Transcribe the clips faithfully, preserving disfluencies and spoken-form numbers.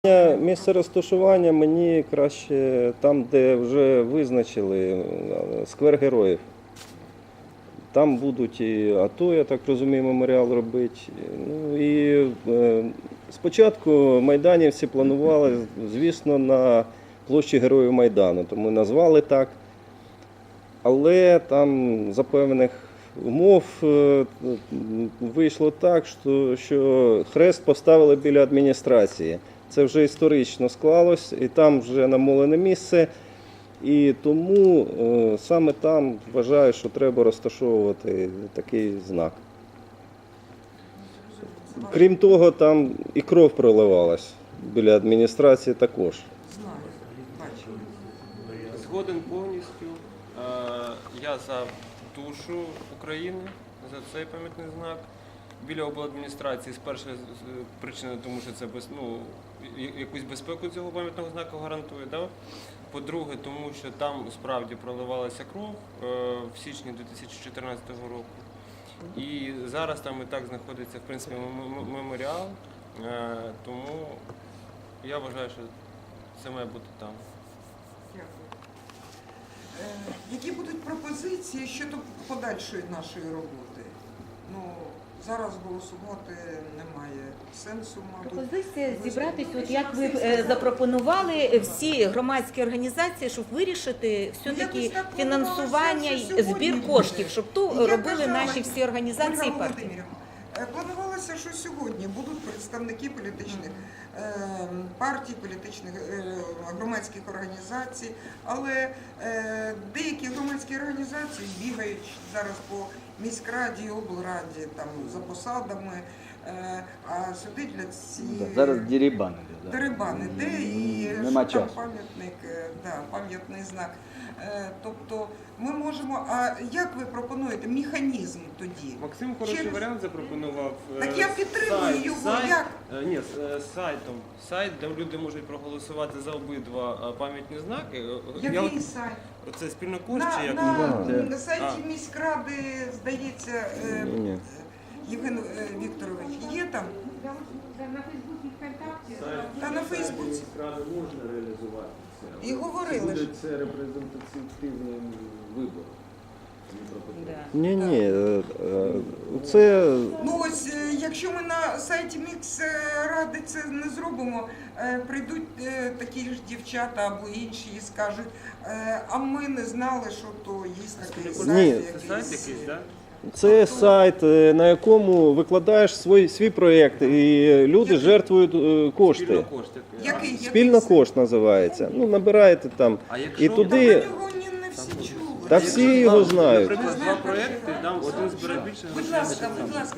Місце розташування мені краще там, де вже визначили сквер героїв. Там будуть і АТО, я так розумію, меморіал робити. Ну, і е, спочатку майданівці планували, звісно, на площі Героїв Майдану, тому назвали так. Але там за певних умов е, вийшло так, що, що хрест поставили біля адміністрації. Це вже історично склалось, і там вже намолене місце, і тому е, саме там вважаю, що треба розташовувати такий знак. Крім того, там і кров проливалась біля адміністрації також. Згоден повністю. Я за душу України, за цей пам'ятний знак. Біля обладміністрації з першої причини, тому що це без, ну, якусь безпеку цього пам'ятного знаку гарантує. Да? По-друге, тому що там справді проливалася кров в січні дві тисячі чотирнадцятого року. І зараз там і так знаходиться, в принципі, меморіал, тому я вважаю, що це має бути там. Дякую. Які будуть пропозиції щодо подальшої нашої роботи? Ну, зараз голосувати немає сенсу, мабуть. Пропозиція зібратися, от як ви е, запропонували всі громадські організації, щоб вирішити все-таки фінансування і збір коштів, щоб то робили наші всі організації і партії. Планувалося, що сьогодні будуть представники політичних е, партій, політичних е, громадських організацій, але е, деякі громадські організації бігають зараз по міськраді, облраді там, за посадами, е, а сюди для цієї... Зараз дерибан іде. Дерибан іде і Нема що там часу. пам'ятник, да, пам'ятний знак. Тобто ми можемо, а як ви пропонуєте механізм тоді? Максим хороший Через... варіант запропонував. Так я підтримую сайт, його, сайт, як? Ні, сайтом. Сайт, де люди можуть проголосувати за обидва пам'ятні знаки. Який я, сайт? Це спільно кошти, На, як на, Да. на сайті А. міськради, здається, е, Ні. Євген е, Вікторович, є там? На Фейсбуці, ВКонтакті. Та на Фейсбуці. Міськради можна реалізувати це. І говорили ж. Буде це репрезентативним вибором. Ні, ні, це Ну ось, е, якщо ми на сайті міськради це не зробимо, е, прийдуть е, такі ж дівчата або інші і скажуть, е, а ми не знали, що то є такий сайт. Ні. Це сайт якийсь, так? Це сайт, на якому викладаєш свій, свій проєкт, і люди жертвують е, кошти. Спільно кошти. Який? Спільно Який сайт? кошт називається. Ну, набираєте там. А якщо- І Та туди, про нього ні, не всі чули. та всі його знають. Наприклад, два проєкти, там один збере більше Будь грошей. ласка, будь ласка.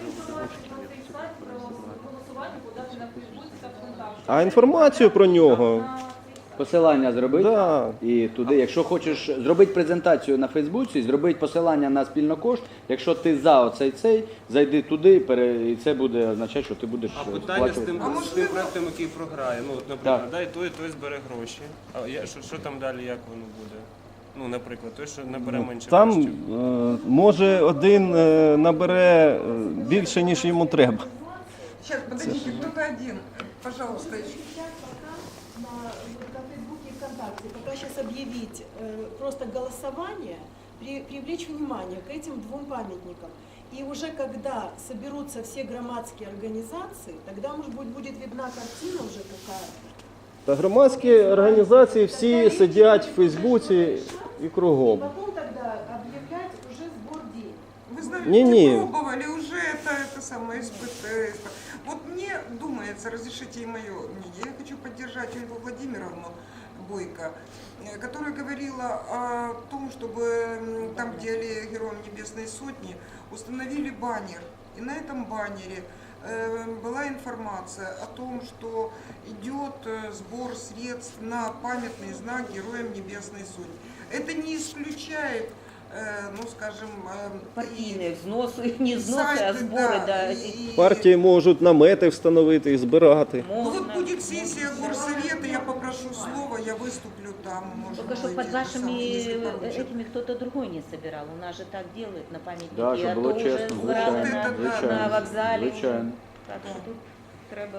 А інформацію про нього, Посилання зробити. да. І туди, якщо хочеш зробити презентацію на Фейсбуці, зробити посилання на спільнокошт, якщо ти за оцей цей, зайди туди, пере- і це буде означати, що ти будеш А питання з сплачувати. тим, А з тим можливо- проєктом, який програє. Ну, от, наприклад, Так. дай той, той збере гроші. А я, що, що там далі, як воно буде? Ну, наприклад, той, що набере менше Там коштів. е, може один е, набере е, більше, ніж йому треба. Сейчас, подождите, кто-то один. Пожалуйста, еще. На, на Фейсбуке и ВКонтакте пока сейчас объявить э, просто голосование, при, привлечь внимание к этим двум памятникам. И уже когда соберутся все громадские организации, тогда, может быть, будет видна картина уже какая. Та громадські організації всі сидять в Фейсбуці і И кругом. потом тогда объявлять уже сбор денег. Вы знаете, Не-не. пробовали уже это, это самое испытание. Вот мне думается, разрешите и мое мнение, я хочу поддержать Ольгу Владимировну Бойко, э, которая говорила о том, чтобы м, там, где аллея Героям Небесной Сотни, установили баннер. И на этом баннере э, была информация о том, что идет э, сбор средств на памятный знак Героям Небесной Сотни. Это не исключает, э, ну скажем, э, Партійні взноси, не взноси, а сайты, збори, да, да. и- и- Партії можуть намети встановити і збирати. Ну вот Можна. будет сессия горсовета, я попрошу слова, я выступлю там. Может Только чтобы быть, под вашими сам, если поручат. этими кто-то другой не собирал. У нас же так делают на памятники. Да, щоб а було то вже чесно, збирали звичайно, на, звичайно, на вокзалі. звичайно. Так що тут треба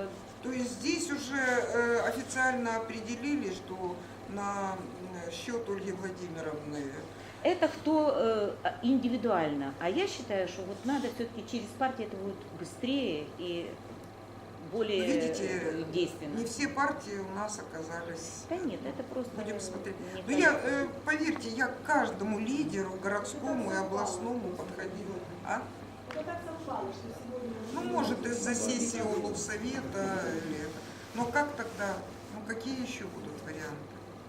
То есть здесь уже э, официально определили, что на м, счет Ольги Владимировны. Это кто э, индивидуально. А я считаю, что вот надо все-таки через партии это будет быстрее и более Видите, э, действенно. не все партии у нас оказались. Да нет, это просто... Будем смотреть. не Ну я, кажется. э, поверьте, я к каждому лидеру, городскому и областному подходила. А? Это так совпало, что сегодня... Ну, может, из-за сессии облсовета или это. Но как тогда? Ну, какие еще будут варианты?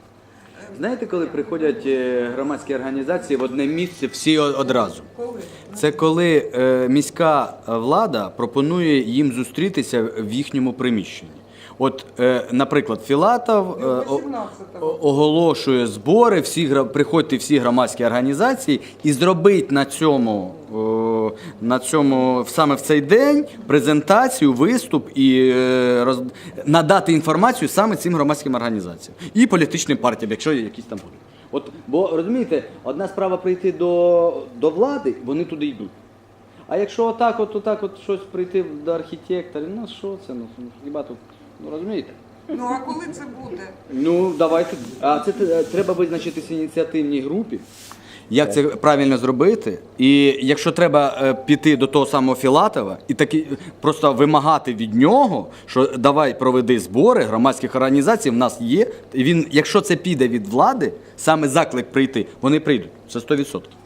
Э, Знаєте, коли приходять е, громадські організації в одне місце всі о- одразу? Це коли е, міська влада пропонує їм зустрітися в їхньому приміщенні. От, е, наприклад, Філатов е, о- о- оголошує збори, всі гра- приходьте всі громадські організації і зробить на цьому, о, на цьому саме в цей день презентацію, виступ і е, роз... надати інформацію саме цим громадським організаціям і політичним партіям, якщо якісь там будуть. От, бо розумієте, одна справа прийти до, до влади, вони туди йдуть. А якщо отак, от, отак, от щось прийти до архітекторів, ну що це, ну хіба тут, ну розумієте? Ну, а коли це буде? Ну, давайте. А це те- треба визначитися ініціативній групі. Як це правильно зробити? І якщо треба е, піти до того самого Філатова і таки просто вимагати від нього, що давай проведи збори громадських організацій, в нас є. І він, якщо це піде від влади, саме заклик прийти, вони прийдуть. Це сто відсотків.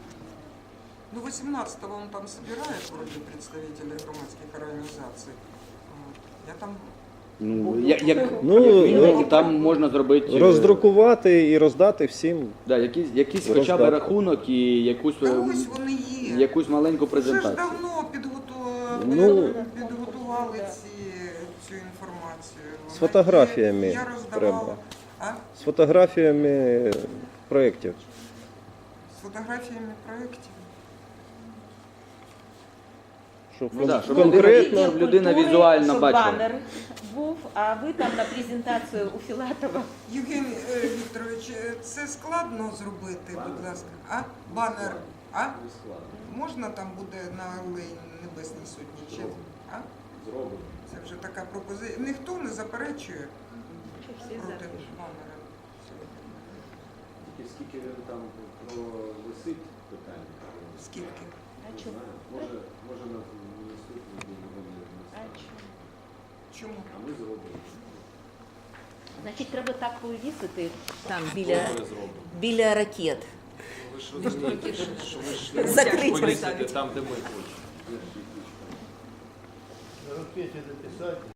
Ну, восемнадцатого он там собирает вроде представителей громадских организаций. Вот. Я там Ну, як, як, Ну, як мінімум, ну, там можна зробити е, Роздрукувати і роздати всім. да, якийсь, якийсь хоча б Роздати. рахунок і якусь, Та е, ось вони є. якусь маленьку Вже ж презентацію. давно підготували, Ну, підготували ці, цю інформацію. З фотографіями Я роздавала. треба. А? З фотографіями проєктів. З фотографіями проєктів. Щоб Ну, да, щоб конкретно. людина- людина візуально щоб бачила. банер був, а ви там на презентацію у Філатова. Євгеній е, Вікторович, е, це складно зробити, будь ласка. А? Банер. А? Можна там буде на Алеї Небесній Сотні? Чи? А? Зробимо. Це вже така пропозиція. Ніхто не заперечує Що всі проти за? банера. Тільки скільки він там провисить питання? Скільки? А Не чому? знаю. Може, може на наступний день вони А не чому? Чому? А ми зробимо. Значить, треба так повісити там біля, біля ракет. Ви ж розумієте, що ви ж не Закрити. можете повісити там, де ми хочемо. На ракете записать.